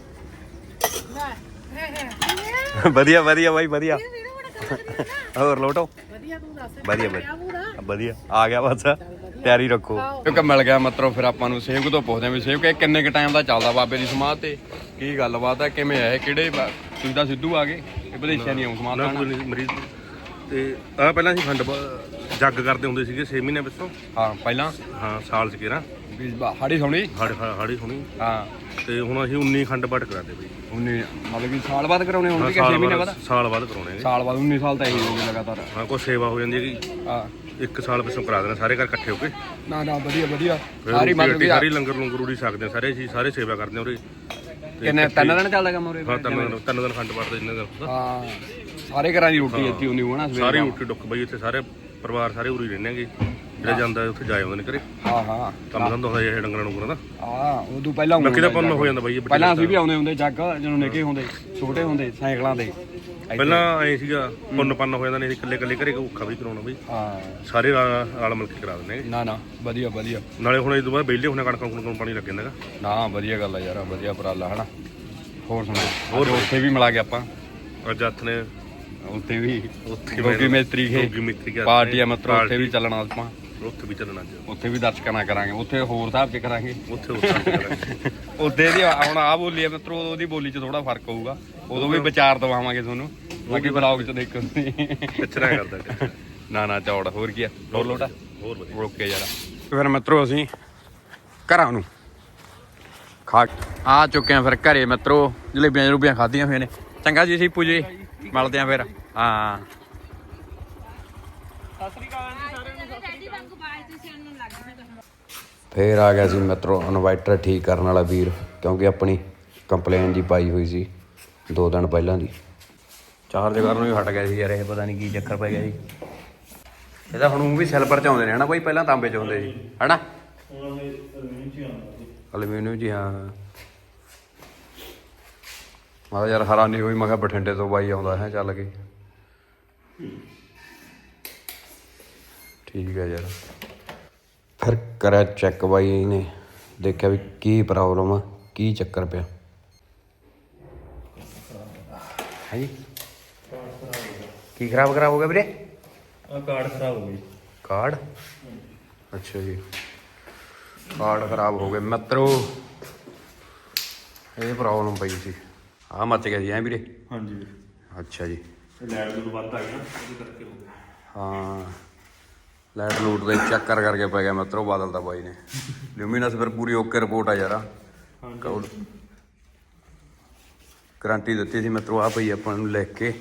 ਵਧੀਆ ਵਧੀਆ ਬਾਈ ਵਧੀਆ ਹੋਰ ਲੋਟੋ ਵਧੀਆ ਵਧੀਆ ਵਧੀਆ ਆ ਗਿਆ ਬਸ ਤਿਆਰੀ ਰੱਖੋ ਕਿਉਂਕਿ ਮਿਲ ਗਿਆ ਮਤਲਬ ਫਿਰ ਆਪਾਂ ਨੂੰ ਸੇਵਕ ਤੋਂ ਪੁੱਛਦੇ ਆ ਵੀ ਸੇਵਕ ਇਹ ਕਿੰਨੇ ਕ ਟਾਈਮ ਦਾ ਚੱਲਦਾ ਬਾਬੇ ਦੀ ਸਮਾਧ ਤੇ ਕੀ ਗੱਲਬਾਤ ਹੈ ਕਿਵੇਂ ਹੈ ਕਿਹੜੇ ਬਾ- ਤੁਸੀਂ ਤਾਂ ਸਿੱਧੂ ਆ ਗਏ ਇਹ ਵਿਦੇਸ਼ਾਂ ਨਹੀਂ ਆਉਂ ਸਮਾਧ
ਨਾ
ਤਾਂ
ਕੋਈ ਨਹੀਂ ਮਰੀਜ਼ ਤੇ ਆ ਪਹਿਲਾਂ ਅਸੀਂ ਖੰਡ ਬ- ਜੱਗ ਕਰਦੇ ਹੁੰਦੇ ਸੀਗੇ ਛੇ ਮਹੀਨੇ ਪਿੱਛੋਂ
ਹਾਂ ਪਹਿਲਾਂ
ਹਾਂ ਸਾਲ ਚ ਕਿਹੜਾ
ਵੀ ਹਾੜੀ ਸੋਣੀ
ਹਾੜੀ ਹਾੜੀ ਹੋਣੀ
ਹਾਂ
ਤੇ ਹੁਣ ਅਸੀਂ ਉੱਨੀ ਖੰਡ ਬਟ ਕਰਾਦੇ ਬਈ
ਉਨੀ ਮਤਲਬ ਕਿ ਸਾਲ ਬਾਅਦ ਕਰਾਉਣੇ ਹੁਣ
ਹਾਂ,
ਵੀ ਕਿ ਛੇ
ਸਾਲ
ਮਹੀਨੇ
ਬਾਅਦ
ਬਾਅਦ
ਸਾਲ ਬਾਅਦ ਕਰਾਉਣੇ ਨੇ
ਸਾਲ ਬਾਅਦ ਉੱਨੀ ਸਾਲ ਤਾਂ ਇਹੀ ਹੋ ਗਏ ਲਗਾਤਾਰ
ਹਾਂ ਕੋਈ ਸੇਵਾ ਹੋ ਜਾਂਦੀ ਹੈਗੀ
ਹਾਂ
ਇੱਕ ਸਾਲ ਪਿੱਛੋਂ ਕਰਾ ਦੇਣਾ ਸਾਰੇ ਘਰ ਇਕੱਠੇ ਹੋ ਕੇ
ਨਾ ਨਾ ਵਧੀਆ ਵਧੀਆ
ਫਿਰ
ਸਾਰੀ
ਰੋਟੀ
ਮਤਲਬ
ਰਾਟੀ
ਕਿ
ਸਾਰੀ ਲੰਗਰ ਲੰਗਰ ਉਡੀ ਸਕਦੇ ਹਾਂ ਸਾਰੇ ਅਸੀਂ ਸਾਰੇ ਸੇਵਾ ਕਰਦੇ ਹਾਂ ਉਰੇ ਤੇ
ਕਿੰਨੇ ਤਿੰਨ ਦਿਨ ਚੱਲਦਾ ਕੰਮ ਉਰੇ
ਹਾਂ ਤਿੰਨ ਦਿਨ ਤਿੰਨ ਦਿਨ ਖੰਡ ਬਟ ਦੇ ਜਿੰਨੇ ਦਿਨ ਹੁੰਦਾ
ਹਾਂ ਸਾਰੇ ਘਰਾਂ ਦੀ ਰੋਟੀ ਇੱਥੇ ਹੁੰਦੀ ਹੋਣਾ ਸਵੇਰੇ
ਸਾਰੀ
ਸ਼ਾਮ।
ਰੋਟੀ ਡੁੱਕ ਬਈ ਇੱਥੇ ਸਾਰੇ ਪਰਿਵਾਰ ਸਾਰੇ ਉਰੀ ਰਹਿੰਦੇ ਹੈਗੇ ਜਿਹੜਾ ਜਾਂਦਾ ਉੱਥੇ ਜਾ ਆਉਂਦੇ ਨੇ ਘਰੇ
ਹਾਂ ਹਾਂ
ਕੰਮ ਧੰਦਾ ਹੁੰਦਾ ਇਹ ਡੰਗਰਾਂ ਡੁੰਗਰਾਂ ਦਾ
ਹਾਂ ਉਦੋਂ ਪਹਿਲਾਂ
ਬਾਕੀ ਤਾਂ
ਹੁੰਦਾ
ਪੁੰਨ
ਜੱਗ।
ਹੋ ਜਾਂਦਾ ਬਾਈ ਇਹ ਵੱਡੀ
ਪਹਿਲਾਂ
ਗੱਲ
ਅਸੀਂ ਵੀ ਆਉਂਦੇ ਹੁੰਦੇ ਜੱਗ ਜਦੋਂ ਨਿੱਕੇ ਹੁੰਦੇ ਛੋਟੇ ਹੁੰਦੇ ਸਾਈਕਲਾਂ ਤੇ
ਪਹਿਲਾਂ ਐ ਸੀਗਾ ਪੁੰਨ ਪੰਨ ਹੋ ਜਾਂਦਾ ਨਹੀਂ ਇਕੱਲੇ ਇਕੱਲੇ ਘਰੇ ਔਖਾ ਵੀ ਕਰਾਉਣਾ ਬਈ
ਹਾਂ
ਸਾਰੇ ਨਾਲ ਨਾਲ ਮਿਲ ਕੇ ਕਰਾ ਦਿੰਦੇ ਹੈਗੇ।
ਨਾ ਨਾ ਵਧੀਆ ਵਧੀਆ
ਨਾਲੇ ਹੁਣ ਇਸ ਤੋਂ ਬਾਅਦ ਵਿਹਲੇ ਹੋਣਾ ਕਣਕਾਂ ਕੁਣਕਾਂ ਨੂੰ ਪਾਣੀ ਲੱਗ ਜਾਂਦਾ ਹੈਗਾ
ਨਾ ਵਧੀਆ ਗੱਲ ਆ ਯਾਰ ਵਧੀਆ ਉਪਰਾਲਾ ਹਨਾ ਹੋਰ ਸੁਣਾ ਹੋਰ ਉੱਥੇ ਵੀ ਮਿਲਾ ਗਏ ਆਪਾਂ
ਅੱਜ ਹੱਥ ਨੇ
ਉੱਥੇ ਵੀ
ਉੱਥੇ
ਗੋਗੀ ਮਿਸਤਰੀ ਖੇ
ਗੋਗੀ ਮਿਸਤਰੀ ਕੇ
ਪਾਰਟੀ ਆ ਮਤਲਬ ਉੱਥੇ ਵੀ ਚੱਲਣਾ ਆਪਾਂ
ਉੱਥੇ ਵੀ ਚੱਲਣਾ ਅੱਜ
ਉੱਥੇ ਵੀ ਦਰਸ਼ਕਾਂ ਨਾਲ ਕਰਾਂਗੇ ਉੱਥੇ ਹੋਰ ਹਿਸਾਬ ਚ ਕਰਾਂਗੇ
ਉੱਥੇ ਉੱਥੇ
ਉੱਥੇ ਦੀ ਹੁਣ ਆ ਬੋਲੀ ਆ ਮਿੱਤਰੋ ਉਹਦੀ ਬੋਲੀ ਚ ਥੋੜਾ ਫਰਕ ਹੋਊਗਾ ਉਦੋਂ ਵੀ ਵਿਚਾਰ ਦਵਾਵਾਂਗੇ ਤੁਹਾਨੂੰ ਬਾਕੀ ਬਲੌਗ ਚ ਦੇਖੋ ਤੁਸੀਂ
ਕਿਚਰਾ ਕਰਦਾ ਕਿਚਰਾ।
ਨਾ ਨਾ ਚੌੜ ਹੋਰ ਕੀ ਆ ਹੋਰ ਲੋਟਾ
ਹੋਰ ਵਧੀਆ
ਓਕੇ ਯਾਰ ਫਿਰ ਮਿੱਤਰੋ ਅਸੀਂ ਘਰਾਂ ਨੂੰ ਖਾ ਆ ਚੁੱਕੇ ਆ ਫਿਰ ਘਰੇ ਮਿੱਤਰੋ ਜਲੇਬੀਆਂ ਜਲੂਬੀਆਂ ਖਾਧੀਆਂ ਹੋਈਆਂ ਨੇ ਚੰਗਾ ਜੀ ਸੀਪੂ ਜੀ ਮਿਲਦੇ ਆ ਫਿਰ ਹਾਂ ਫੇਰ ਆ ਗਿਆ ਸੀ ਮਿੱਤਰੋ ਇਨਵਰਟਰ ਠੀਕ ਕਰਨ ਵਾਲਾ ਵੀਰ ਕਿਉਂਕਿ ਆਪਣੀ ਕੰਪਲੇਨ ਜੀ ਪਾਈ ਹੋਈ ਸੀ ਦੋ ਦਿਨ ਪਹਿਲਾਂ ਦੀ ਚਾਰਜ ਕਰਨ ਨੂੰ ਵੀ ਹਟ ਗਿਆ ਸੀ ਯਾਰ ਇਹ ਪਤਾ ਨਹੀਂ ਕੀ ਚੱਕਰ ਪੈ ਗਿਆ ਜੀ ਇਹਦਾ ਹੁਣ ਉਹ ਵੀ ਸਿਲਵਰ ਚ ਆਉਂਦੇ ਨੇ ਹਨਾ ਕੋਈ ਪਹਿਲਾਂ ਤਾਂਬੇ ਚ ਹੁੰਦੇ ਸੀ ਹਨਾ ਅਲਮੀਨੀਅਮ ਜੀ ਹਾਂ ਮੈਂ ਕਿਹਾ ਯਾਰ ਹੈਰਾਨੀ ਹੋਈ ਮੈਂ ਕਿਹਾ ਬਠਿੰਡੇ ਤੋਂ ਬਾਈ ਆਉਂਦਾ ਹੈ ਚੱਲ ਕੇ ਠੀਕ ਹੈ ਯਾਰ। ਫਿਰ ਕਰਿਆ ਚੈੱਕ ਬਾਈ ਨੇ, ਦੇਖਿਆ ਵੀ ਕੀ ਪ੍ਰੋਬਲਮ ਆ, ਕੀ ਚੱਕਰ ਪਿਆ ਹੈ ਜੀ। ਕੀ ਖਰਾਬ ਖਰਾਬ ਹੋ ਗਿਆ ਵੀਰੇ?
ਆ ਕਾਰਡ ਖਰਾਬ ਹੋ ਗਈ।
ਕਾਰਡ? ਅੱਛਾ ਜੀ, ਕਾਰਡ ਖਰਾਬ ਹੋ ਗਏ ਮਿੱਤਰੋ। ਇਹ ਪ੍ਰੋਬਲਮ ਪਈ ਸੀ, ਆਹ ਮੱਚ ਗਿਆ ਸੀ ਐ ਵੀਰੇ?
ਹਾਂਜੀ
ਅੱਛਾ ਜੀ,
ਲੈਟ ਨੂੰ ਵੱਧ ਆ ਗਿਆ ਨਾ, ਉਹਦੇ ਕਰਕੇ ਹੋ ਗਿਆ।
ਹਾਂ ਲਾਈਟ ਲੂਟ ਦੇ ਚੱਕਰ ਕਰਕੇ ਪੈ ਗਿਆ ਮਿੱਤਰੋ ਬਾਦਲ ਦਾ ਬਾਈ ਨੇ। ਲਿਊਮੀਨਸ ਫਿਰ ਪੂਰੀ ਓਕੇ ਰਿਪੋਰਟ ਆ ਯਾਰ। ਕਾਉਡ ਗਰੰਟੀ ਦਿੱਤੀ ਸੀ ਮਿੱਤਰੋ, ਆ ਪਈ ਆਪਾਂ ਨੂੰ ਲਿਖ ਕੇ।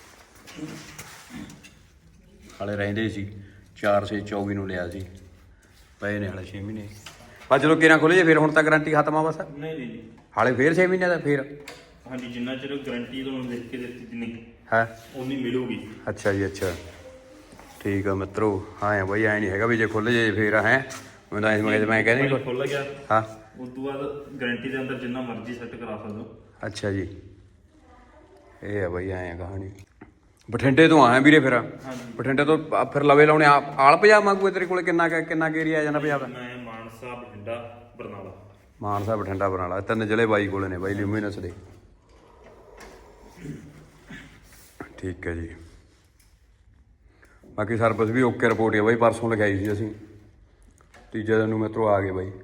ਹਾਲੇ ਰਹਿੰਦੇ ਸੀ ਚਾਰ ਛੇ ਚੌਵੀ ਨੂੰ ਲਿਆ ਸੀ, ਪਏ ਨੇ ਹਾਲੇ ਛੇ ਮਹੀਨੇ। ਬਸ ਜਦੋਂ ਕਿਰਾਂ ਖੁੱਲ੍ਹ ਜੇ ਫਿਰ ਹੁਣ ਤਾਂ ਗਰੰਟੀ ਖਤਮ ਆ ਬਸ।
ਨਹੀਂ ਨਹੀਂ
ਹਾਲੇ ਫਿਰ ਛੇ ਮਹੀਨੇ ਦਾ ਫਿਰ?
ਹਾਂਜੀ, ਜਿੰਨਾ ਚਿਰ ਗਾਰੰਟੀ ਤੁਹਾਨੂੰ ਲਿਖ ਕੇ ਦਿੱਤੀ ਜਿੰਨੀ
ਹੈ
ਉਨੀ ਮਿਲੂਗੀ।
ਅੱਛਾ ਜੀ, ਅੱਛਾ ਠੀਕ ਆ ਮਿੱਤਰੋ। ਹਾਂ ਆ ਬਾਈ, ਐ ਨਹੀਂ ਹੈਗਾ ਵੀ ਜੇ ਖੁੱਲ੍ਹ ਜੇ ਫਿਰ ਹੈ ਮੈਂ ਤਾਂ ਮੈਂ ਮੈਂ ਕਹਿੰਦਾ
ਖੁੱਲ ਗਿਆ
ਹਾਂ,
ਉਸ ਤੋਂ ਬਾਅਦ ਗਾਰੰਟੀ ਦੇ ਅੰਦਰ ਜਿੰਨਾ ਮਰਜ਼ੀ ਸੈੱਟ ਕਰਾ ਸਕਦੇ ਹੋ।
ਅੱਛਾ ਜੀ, ਇਹ ਆ ਬਾਈ ਐਂ ਆ ਕਹਾਣੀ। ਬਠਿੰਡੇ ਤੋਂ ਆਇਆ ਵੀਰੇ ਫਿਰ? ਬਠਿੰਡੇ ਤੋਂ ਆ ਫਿਰ ਲਵੇ ਲਾਉਣੇ ਆ ਆਲ ਪੰਜਾਬ ਮੰਗੂ ਤੇਰੇ ਕੋਲ? ਕਿੰਨਾ ਕੁ- ਕਿੰਨਾ ਕੁ ਏਰੀਆ ਆ ਜਾਂਦਾ ਪੰਜਾਬ ਦਾ?
ਮੈਂ ਮਾਨਸਾ, ਬਠਿੰਡਾ, ਬਰਨਾਲਾ।
ਮਾਨਸਾ, ਬਠਿੰਡਾ, ਬਰਨਾਲਾ, ਤਿੰਨ ਜ਼ਿਲ੍ਹੇ ਬਾਈ ਕੋਲੇ ਨੇ ਬਾਈ ਲਿਊਮੀਨਸ ਦੇ। ਠੀਕ ਹੈ ਜੀ, ਬਾਕੀ ਸਰਵਿਸ ਵੀ ਓਕੇ ਰਿਪੋਰਟ ਹੈ ਬਾਈ। ਪਰਸੋਂ ਲਿਖਾਈ ਸੀ ਅਸੀਂ, ਤੀਜੇ ਦਿਨ ਨੂੰ ਮਿੱਤਰੋ ਆ ਗਏ ਬਾਈ।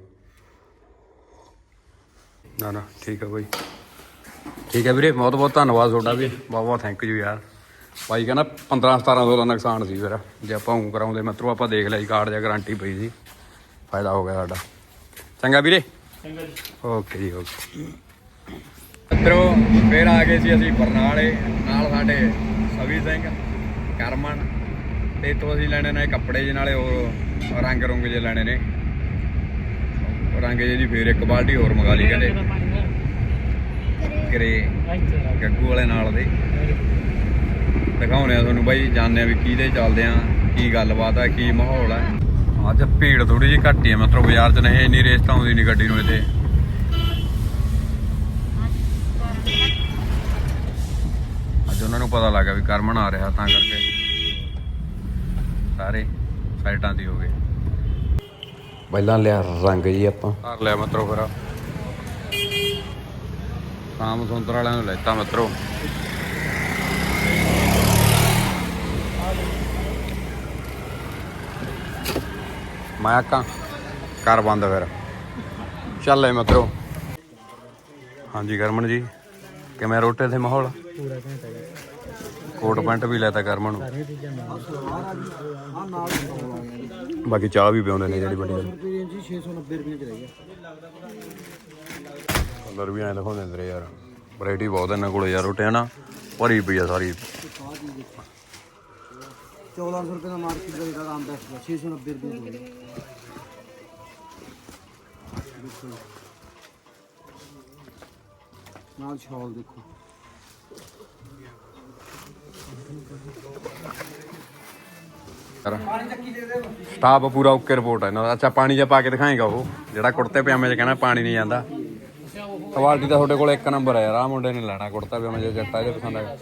ਨਾ ਨਾ ਠੀਕ ਹੈ ਬਾਈ, ਠੀਕ ਹੈ ਵੀਰੇ, ਬਹੁਤ ਬਹੁਤ ਧੰਨਵਾਦ ਤੁਹਾਡਾ ਵੀ, ਬਹੁਤ ਬਹੁਤ ਥੈਂਕ ਯੂ ਯਾਰ। ਬਾਈ ਕਹਿੰਦਾ ਪੰਦਰਾਂ ਸਤਾਰਾਂ ਸੌ ਦਾ ਨੁਕਸਾਨ ਸੀ ਫਿਰ, ਜੇ ਆਪਾਂ ਊਂ ਕਰਾਉਂਦੇ ਮਿੱਤਰੋ। ਆਪਾਂ ਦੇਖ ਲਿਆ ਜੀ ਕਾਰਡ ਜਾਂ ਗਰੰਟੀ ਪਈ ਸੀ, ਫਾਇਦਾ ਹੋ ਗਿਆ ਸਾਡਾ। ਚੰਗਾ ਵੀਰੇ,
ਚੰਗਾ ਜੀ,
ਓਕੇ ਜੀ ਓਕੇ। ਮਿੱਤਰੋ ਫਿਰ ਆ ਗਏ ਸੀ ਅਸੀਂ ਬਰਨਾਲੇ, ਨਾਲ ਸਾਡੇ ਸਵੀ ਸਿੰਘ, ਕਰਮਨ, ਤੇ ਇੱਥੋਂ ਅਸੀਂ ਲੈਣੇ ਨੇ ਕੱਪੜੇ ਜਿਹੇ, ਨਾਲੇ ਉਹ ਰੰਗ ਰੁੰਗ ਜੇ ਲੈਣੇ ਨੇ। ਰੰਗ ਜੇ ਦੀ ਫਿਰ ਇੱਕ ਬਾਲਟੀ ਹੋਰ ਮੰਗਾ ਲਈ ਕਹਿੰਦੇ, ਗਰੇ ਗੱਗੂ ਵਾਲੇ ਨਾਲ ਦੇ। ਦਿਖਾਉਂਦੇ ਆ ਤੁਹਾਨੂੰ ਬਾਈ, ਜਾਣਦੇ ਆ ਵੀ ਕਿਹਦੇ ਚੱਲਦੇ ਆ, ਕੀ ਗੱਲਬਾਤ ਆ, ਕੀ ਮਾਹੌਲ ਆ। ਅੱਜ ਭੀੜ ਥੋੜੀ ਜਿਹੀ ਘੱਟ ਹੀ ਆ ਮਤਲਬ ਬਾਜ਼ਾਰ 'ਚ, ਨਹੀਂ ਇੰਨੀ ਰੇਸ ਤਾਂ ਆਉਂਦੀ ਨਹੀਂ ਗੱਡੀ ਨੂੰ ਇੱਥੇ। ਅੱਜ ਉਹਨਾਂ ਨੂੰ ਪਤਾ ਲੱਗਾ ਵੀ ਕਰਮਨ ਆ ਰਿਹਾ, ਤਾਂ ਕਰਕੇ ਸਾਰੇ ਸਾਈਡਾਂ ਦੀ ਹੋ ਗਏ। ਪਹਿਲਾਂ ਲਿਆ ਰੰਗ ਜੀ ਆਪਾਂ, ਕਰ ਲਿਆ ਮਿੱਤਰੋ। ਫਿਰ ਸ਼ਾਮ ਸੁੰਦਰ ਵਾਲਿਆਂ ਨੂੰ ਲੈਤਾ ਮਿੱਤਰੋ। ਮੈਂ ਕਾਂ ਕਰ ਬੰਦ ਫਿਰ, ਚੱਲ ਮਿੱਤਰੋ। ਹਾਂਜੀ ਕਰਮਨ ਜੀ, ਕਿਵੇਂ ਰੋਟੇ ਤੇ ਮਾਹੌਲ? ਕੋਟ ਪੈਂਟ ਵੀ ਲੈਤਾ ਕਰਮਨ ਨੂੰ, ਬਾਕੀ ਚਾਹ ਵੀ ਪਿਆਉਂਦੇ ਨੇ ਜਿਹੜੀ ਵੱਡੀ ਗੱਲ।
ਛੇ ਸੌ ਨੱਬੇ ਰੁਪਏ ਚ ਰਹਿ ਗਿਆ।
ਕਲਰ ਵੀ ਐਂ ਦਿਖਾਉਂਦੇ ਨੇ ਯਾਰ, ਵੈਰਾਈਟੀ ਬਹੁਤ ਇਹਨਾਂ ਕੋਲ ਯਾਰ। ਰੋਟੀਆਂ ਨਾ ਭਰੀ ਪਈ ਆ ਸਾਰੀ।
ਚੌਦਾਂ ਸੌ ਰੁਪਏ ਦਾ ਮਾਰਕੀਟ ਦਾ ਜਿਹੜਾ ਆਮ ਬੈਸਟ ਦਾ, ਛੇ ਸੌ ਨੱਬੇ ਰੁਪਏ ਦੇ ਨਾਲ ਸ਼ਾਲ ਦੇਖੋ।
ਸਟਾਫ ਪੂਰਾ ਓਕੇ ਰਿਪੋਰਟ ਹੈ ਇਹਨਾਂ ਦਾ। ਅੱਛਾ ਪਾਣੀ ਜਿਹਾ ਪਾ ਕੇ ਦਿਖਾਏਗਾ ਉਹ, ਜਿਹੜਾ ਕੁੜਤੇ ਪਜਾਮੇ 'ਚ ਕਹਿੰਦਾ ਪਾਣੀ ਨਹੀਂ ਜਾਂਦਾ। ਕੁਆਲਿਟੀ ਤਾਂ ਤੁਹਾਡੇ ਕੋਲ ਇੱਕ ਨੰਬਰ ਹੈ ਯਾਰ। ਆਹ ਮੁੰਡੇ ਨੇ ਲੈਣਾ ਕੁੜਤਾ ਪਜਾਮਾ ਜੇ ਜੱਟਾ ਇਹਦੇ ਪਸੰਦ ਆਇਆ।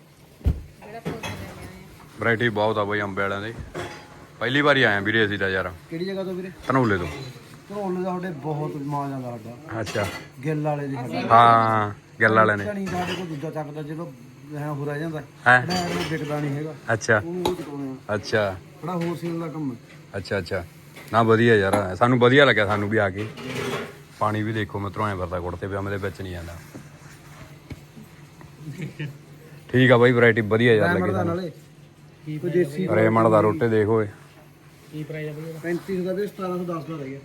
ਵੈਰਾਈਟੀ ਬਹੁਤ ਆ ਬਈ ਅੰਬੇ ਵਾਲਿਆਂ ਦੀ। ਪਹਿਲੀ ਵਾਰੀ ਆਇਆ ਵੀਰੇ ਅਸੀਂ ਤਾਂ ਯਾਰ।
ਕਿਹੜੀ ਜਗ੍ਹਾ ਤੋਂ ਵੀਰੇ?
ਧਨੌਲੇ ਤੋਂ।
ਧਨੌਲੇ ਦਾ ਸਾਡੇ ਬਹੁਤ ਮਾਂ ਜਾਂਦਾ ਸਾਡਾ।
ਅੱਛਾ,
ਗਿੱਲ ਵਾਲੇ ਦੀ ਸਾਡਾ।
ਹਾਂ ਗਿੱਲ ਵਾਲੇ ਨੇ।
ਨਹੀਂ ਸਾਡੇ ਕੋਲ ਦੂਜਾ ਚੱਕਦਾ, ਜਦੋਂ ਐ ਹੋ ਰਹਿ ਜਾਂਦਾ
ਹੈ।
ਉਹ ਵਿਕਦਾ ਨਹੀਂ ਹੈਗਾ।
ਅੱਛਾ
ਉਹਨੂੰ ਉਹ ਚਕਾਉਣੇ ਆ।
ਅੱਛਾ
ਬੜਾ ਹੋਲਸੇਲ ਦਾ ਕੰਮ ਹੈ।
ਅੱਛਾ ਅੱਛਾ, ਨਾ ਵਧੀਆ ਯਾਰ, ਸਾਨੂੰ ਵਧੀਆ ਲੱਗਿਆ ਸਾਨੂੰ ਵੀ ਆ ਕੇ। ਪਾਣੀ ਵੀ ਦੇਖੋ ਮਿੱਤਰੋ ਐਂ ਵਰਦਾ ਕੁੜਤੇ ਪਜਾਮੇ ਦੇ ਵਿੱਚ ਨਹੀਂ ਜਾਂਦਾ। ਠੀਕ ਆ ਬਾਈ, ਵੈਰਾਈਟੀ ਵਧੀਆ ਯਾਰ ਲੱਗੀ ਸਾਨੂੰ।
ਕੋਈ ਦੇਸੀ
ਰੇਮੰਡ ਦਾ ਰੋਟੇ ਦੇਖ ਓਏ,
ਕੀ ਪ੍ਰਾਈਸ ਆ ਬਈ?
ਪੈਂਤੀ ਸੌ ਦਾ ਵੀ ਸਤਾਰਾਂ ਸੌ ਦਸ ਦਾ ਰਹਿ ਗਿਆ।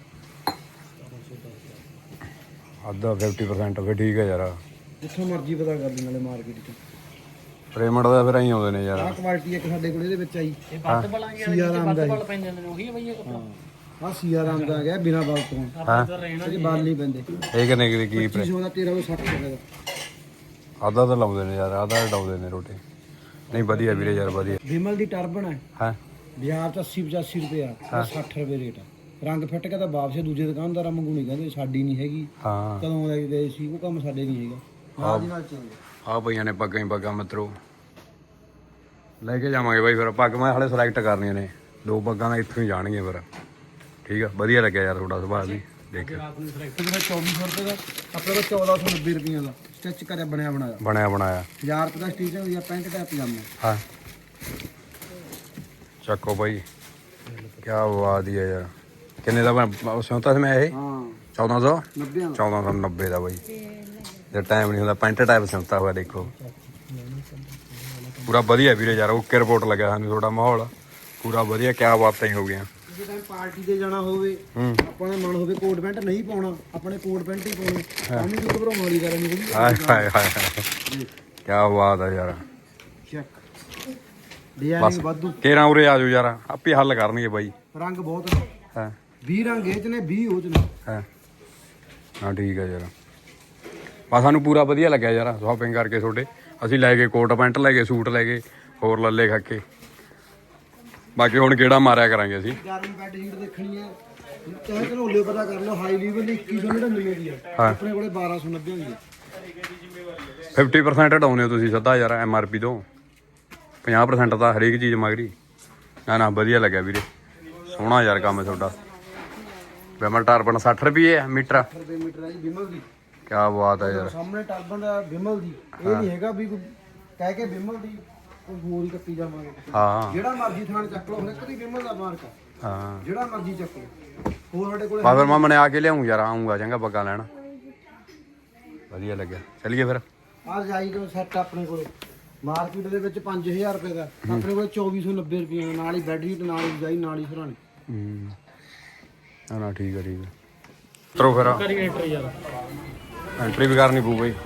ਅੱਧਾ ਫਿਫਟੀ ਪਰਸੈਂਟ ਫਿਰ ਠੀਕ ਹੈ ਯਾਰ।
ਜਿੱਥੋਂ ਮਰਜ਼ੀ ਪਤਾ ਕਰ ਲਈ ਨਾਲੇ ਮਾਰਕੀਟ 'ਚ।
ਰੇਮੰਡ ਦਾ ਫਿਰ ਐਂ ਆਉਂਦੇ ਨੇ ਯਾਰ।
ਆਹ ਕੁਆਲਿਟੀ ਇੱਕ ਸਾਡੇ ਕੋਲ ਇਹਦੇ ਵਿੱਚ ਆਈ।
ਇਹ ਵੱਧ ਬਲਾਂਗੇ ਵਾਲੇ ਜਿਹੜੇ ਵੱਧ ਬਲ ਪੈਂਦੇ ਨੇ ਉਹੀ ਆ ਬਈ ਇਹ ਕੱਪੜਾ।
ਆਹ ਸੀਆ ਰਾਮ ਦਾ ਆ ਗਿਆ ਬਿਨਾ ਬਲ ਤੋਂ।
ਆਪਾਂ ਤਾਂ ਰਹਿਣਾ
ਇਹਦੇ ਬਲ ਨਹੀਂ ਪੈਂਦੇ।
ਇਹ ਕਿੰਨੇ ਕੀ ਕੀ
ਪੱਚੀ ਸੌ ਦਾ ਤੇਰਾਂ ਸੌ ਸੱਠ ਰੁਪਏ ਦਾ।
ਅੱਧਾ ਤਾਂ ਲਾਉਂਦੇ ਨੇ ਯਾਰ, ਆਧਾ ਡਾਉਂਦੇ ਨੇ ਰੋਟੇ। ਨਹੀਂ ਵਧੀਆ ਵੀਰੇ ਯਾਰ ਵਧੀਆ।
ਵਿਮਲ ਦੀ ਟਰਬਨ ਹੈ,
ਹਾਂ
ਬਾਜ਼ਾਰ 'ਚ ਅੱਸੀ ਪਚਾਸੀ ਰੁਪਏ ਆ, ਸੱਠ ਰੁਪਏ ਰੇਟ ਆ। ਰੰਗ ਫਿੱਟ ਕੇ ਤਾਂ ਵਾਪਸ ਦੂਜੇ ਦੁਕਾਨਦਾਰਾਂ ਵਾਂਗੂ ਨਹੀਂ ਕਹਿੰਦੇ ਸਾਡੀ ਨਹੀਂ ਹੈਗੀ।
ਹਾਂ
ਕਦੋਂ ਲੈ ਗਏ ਸੀ, ਉਹ ਕੰਮ ਸਾਡੇ ਨਹੀਂ ਹੈਗਾ। ਨਾਲ ਦੀ ਨਾਲ ਚੇਂਜ।
ਆ ਪਈਆਂ ਨੇ ਪੱਗਾਂ ਹੀ ਪੱਗਾਂ ਮਿੱਤਰੋ। ਲੈ ਕੇ ਜਾਵਾਂਗੇ ਬਾਈ ਫਿਰ ਪੱਗ ਮੈਂ ਹਾਲੇ ਸਿਲੈਕਟ ਕਰਨੀਆਂ ਨੇ ਦੋ ਪੱਗਾਂ ਤਾਂ ਇੱਥੋਂ ਹੀ ਜਾਣਗੀਆਂ ਫਿਰ ਠੀਕ ਆ ਵਧੀਆ ਲੱਗਿਆ ਯਾਰ ਤੁਹਾਡਾ ਸੁਭਾਅ ਵੀ ਦੇਖ
ਜਿਹੜਾ ਚੌਵੀ ਸੌ ਰੁਪਏ ਦਾ ਆਪਣੇ ਕੋਲ ਚੌਦਾਂ ਸੌ ਨੱਬੇ ਰੁਪਈਆਂ ਦਾ ਸਟਿਚ ਕਰਿਆ ਬਣਿਆ ਬਣਾਇਆ
ਬਣਿਆ ਬਣਾਇਆ
ਹਜ਼ਾਰ ਰੁਪਏ ਦਾ ਸਟਿਚ ਹੋ ਗਿਆ ਪੈਂਟ ਟੈਪ ਪਜਾਮਾ
ਹਾਂ ਚੱਕੋ ਬਾਈ ਕੀ ਬਾਤ ਹੈ ਯਾਰ ਕਿੰਨੇ ਦਾ ਮੈਂ ਸਿਉਂਤਾ ਸੀ ਮੈਂ ਇਹ
ਹਾਂ
ਚੌਦਾਂ ਸੌ
ਨੱਬੇ ਦਾ
ਚੌਦਾਂ ਸੌ ਨੱਬੇ ਦਾ ਬਾਈ ਜੇ ਟਾਈਮ ਨਹੀਂ ਹੁੰਦਾ ਪੈਂਟ ਟਾਈਪ ਸਿਉਂਤਾ ਹੋਇਆ ਦੇਖੋ ਪੂਰਾ ਵਧੀਆ ਵੀਰੇ ਯਾਰ ਓਕੇ ਰਿਪੋਰਟ ਲੱਗਿਆ ਸਾਨੂੰ ਤੁਹਾਡਾ ਮਾਹੌਲ ਪੂਰਾ ਵਧੀਆ ਕਿਆ ਬਾਤਾਂ ਹੀ ਹੋ ਗਈਆਂ
ਕਿਸੇ ਟਾਈਮ ਪਾਰਟੀ ਤੇ ਜਾਣਾ ਹੋਵੇ
ਹੂੰ
ਆਪਾਂ ਨੇ ਮਨ ਹੋਵੇ ਕੋਟ ਪੈਂਟ ਨਹੀਂ ਪਾਉਣਾ ਆਪਣੇ ਕੋਟ ਪੈਂਟ ਹੀ ਪਾਉਣੀ ਸਾਨੂੰ ਕੋਈ ਘਬਰਾਉਣ ਵਾਲੀ ਗੱਲ ਨਹੀਂ
ਹਾਏ ਹਾਏ ਹਾਏ ਕਿਆ ਬਾਤ ਹੈ ਯਾਰ
ਚੈੱਕ ਡਿਜ਼ਾਈਨਿੰਗ ਵਾਧੂ
ਕੇਰਾਂ ਉਰੇ ਆ ਜਾਓ ਯਾਰ ਆਪੇ ਹੱਲ ਕਰਨਗੇ ਬਾਈ
ਰੰਗ ਬਹੁਤ ਨੇ
ਹਾਂ
ਵੀਹ ਰੰਗ ਇਹ ਚ ਨੇ ਵੀਹ ਉਹ ਚ ਨੇ
ਹਾਂ ਹਾਂ ਠੀਕ ਹੈ ਯਾਰ ਬਸ ਸਾਨੂੰ ਪੂਰਾ ਵਧੀਆ ਲੱਗਿਆ ਯਾਰ ਸ਼ਾਪਿੰਗ ਕਰਕੇ ਤੁਹਾਡੇ ਅਸੀਂ ਲੈ ਗਏ ਕੋਟ ਪੈਂਟ ਲੈ ਗਏ ਸੂਟ ਲੈ ਗਏ ਹੋਰ ਲੱਲੇ ਖਾਕੇ ਬਾਕੀ ਹੁਣ ਕਿਹੜਾ ਮਾਰਿਆ ਕਰਾਂਗੇ ਅਸੀਂ
ਗਰਮ ਬੈੱਡ ਸ਼ੀਟ ਦੇਖਣੀ ਹੈ ਚਾਹੇ ਘਨੋਲੇ ਪਤਾ ਕਰ ਲਓ ਹਾਈ ਲੈਵਲ ਦੀ ਇੱਕੀ ਸੌ ਨੜਿਨਵੇਂ ਦੀ ਹੈ
ਹਾਂ।
ਆਪਣੇ ਕੋਲੇ ਬਾਰਾਂ ਸੌ ਨੱਬੇ ਹੁੰਦੀ ਹੈ
ਫਿਫਟੀ ਪਰਸੈਂਟ ਹਟਾਉਂਦੇ ਹੋ ਤੁਸੀਂ ਸਿੱਧਾ ਯਾਰ ਐਮ ਆਰ ਪੀ ਤੋਂ ਪੰਜਾਹ ਪਰਸੈਂਟ ਤਾਂ ਹਰੇਕ ਚੀਜ਼ ਮਗਰੀ ਨਾ ਨਾ ਵਧੀਆ ਲੱਗਿਆ ਵੀਰੇ ਸੋਹਣਾ ਯਾਰ ਕੰਮ ਤੁਹਾਡਾ ਵਿਮਲ ਟਰਬਨ ਸੱਠ ਰੁਪਏ ਮੀਟਰ
ਰੁਪਏ ਮੀਟਰ ਹੈ ਜੀ ਵਿਮਲ ਦੀ
ਕਿਆ ਬਾਤ ਹੈ ਯਾਰ
ਸਾਹਮਣੇ ਟਰਬਨ ਦਾ ਵਿਮਲ ਦੀ ਇਹ ਨਹੀਂ ਹੈਗਾ ਵੀ ਕੋਈ ਕਹਿ ਕੇ ਵਿਮਲ ਦੀ ਕੋਈ ਹੋਰ ਹੀ ਕੱਟੀ ਜਾਵਾਂਗੇ
ਹਾਂ
ਜਿਹੜਾ ਮਰਜ਼ੀ ਥਾਂ ਚੱਕ ਲਓ ਹਰ ਕਦੀ ਵਿਮਲ ਦਾ ਮਾਰਕ ਆ
ਹਾਂ
ਜਿਹੜਾ ਮਰਜ਼ੀ ਚੱਕ ਲਓ ਹੋਰ ਸਾਡੇ ਕੋਲੇ
ਬਸ ਫਿਰ ਮੈਂ ਮਨੇ ਆ ਕੇ ਲਿਆਉਂ ਯਾਰ ਆਉਂਗਾ ਚੰਗਾ ਬੱਗਾ ਲੈਣ ਵਧੀਆ ਲੱਗਿਆ ਚੱਲੀਏ ਫਿਰ
ਆਹ ਰਜਾਈ ਦਾ ਸੈੱਟ ਆਪਣੇ ਕੋਲੇ ਮਾਰਕੀਟ ਦੇ ਵਿੱਚ ਪੰਜ ਹਜ਼ਾਰ ਰੁਪਏ ਦਾ ਆਪਣੇ ਕੋਲੇ ਚੌਵੀ ਸੌ ਨੱਬੇ ਰੁਪਏ ਦਾ ਨਾਲ ਹੀ ਬੈੱਡ ਸ਼ੀਟ ਨਾਲ ਹੀ ਰਜਾਈ ਨਾਲ ਹੀ ਸਰਾਣੇ
ਹੂੰ ਨਾ ਨਾ ਠੀਕ ਹੈ ਠੀਕ ਹੈ ਤਰੋ ਫਿਰ
ਐਂਟਰੀ ਯਾਰ
ਐਂਟਰੀ ਵੀ ਕਰਨੀ ਪਊ ਬਈ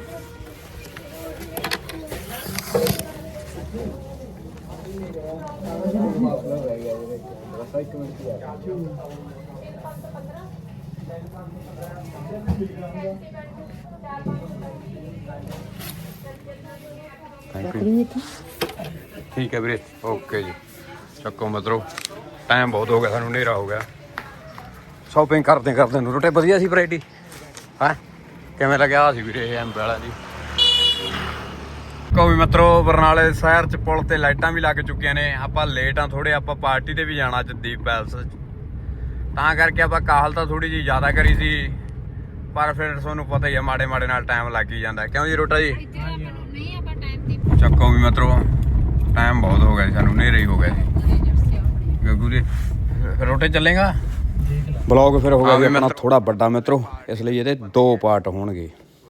ਥੈਂਕ ਯੂ ਠੀਕ ਹੈ ਵੀਰੇ ਓਕੇ ਜੀ ਚੱਕੋ ਮਤਰੋ ਟਾਈਮ ਬਹੁਤ ਹੋ ਗਿਆ ਸਾਨੂੰ ਹਨੇਰਾ ਹੋ ਗਿਆ ਸ਼ਾਪਿੰਗ ਕਰਦੇ ਕਰਦੇ ਨੂੰ ਰੋਟੇ ਵਧੀਆ ਸੀ ਵੈਰਾਈਟੀ ਹੈ ਕਿਵੇਂ ਲੱਗਿਆ ਸੀ ਵੀਰੇ ਐਮ ਵਾਲਾ ਜੀ ਕੋਈ ਮਿੱਤਰੋ ਬਰਨਾਲੇ ਸ਼ਹਿਰ ਚ ਪੁਲ ਤੇ ਲਾਈਟਾਂ ਵੀ ਲੱਗ ਚੁੱਕੀਆਂ ਨੇ ਆਪਾਂ ਲੇਟ ਆ ਥੋੜੇ ਆਪਾਂ ਪਾਰਟੀ ਤੇ ਵੀ ਜਾਣਾ ਅੱਜ ਦੀਪ ਪੈਲਸ ਤਾਂ ਕਰਕੇ ਆਪਾਂ ਕਾਹਲ ਤਾਂ ਥੋੜੀ ਜੀ ਜ਼ਿਆਦਾ ਕਰੀ ਸੀ ਪਰ ਫਿਰ ਤੁਹਾਨੂੰ ਪਤਾ ਹੀ ਆ ਮਾੜੇ ਮਾੜੇ ਨਾਲ ਟਾਈਮ ਲੱਗ ਹੀ ਜਾਂਦਾ ਕਿਉਂ ਜੀ ਰੋਟਾ ਜੀ ਚੱਕੋ ਵੀ ਮਿੱਤਰੋ ਟਾਈਮ ਬਹੁਤ ਹੋ ਗਿਆ ਜੀ ਸਾਨੂੰ ਹਨੇਰਾ ਹੀ ਹੋ ਗਿਆ ਜੀ ਗੱਗੂ ਜੀ ਰੋਟੇ ਚੱਲੇਗਾ ਬਲੌਗ ਫਿਰ ਹੋ ਗਿਆ ਵੀ ਆਪਣਾ ਥੋੜਾ ਵੱਡਾ ਮਿੱਤਰੋ ਇਸ ਲਈ ਇਹਦੇ ਦੋ ਪਾਰਟ ਹੋਣਗੇ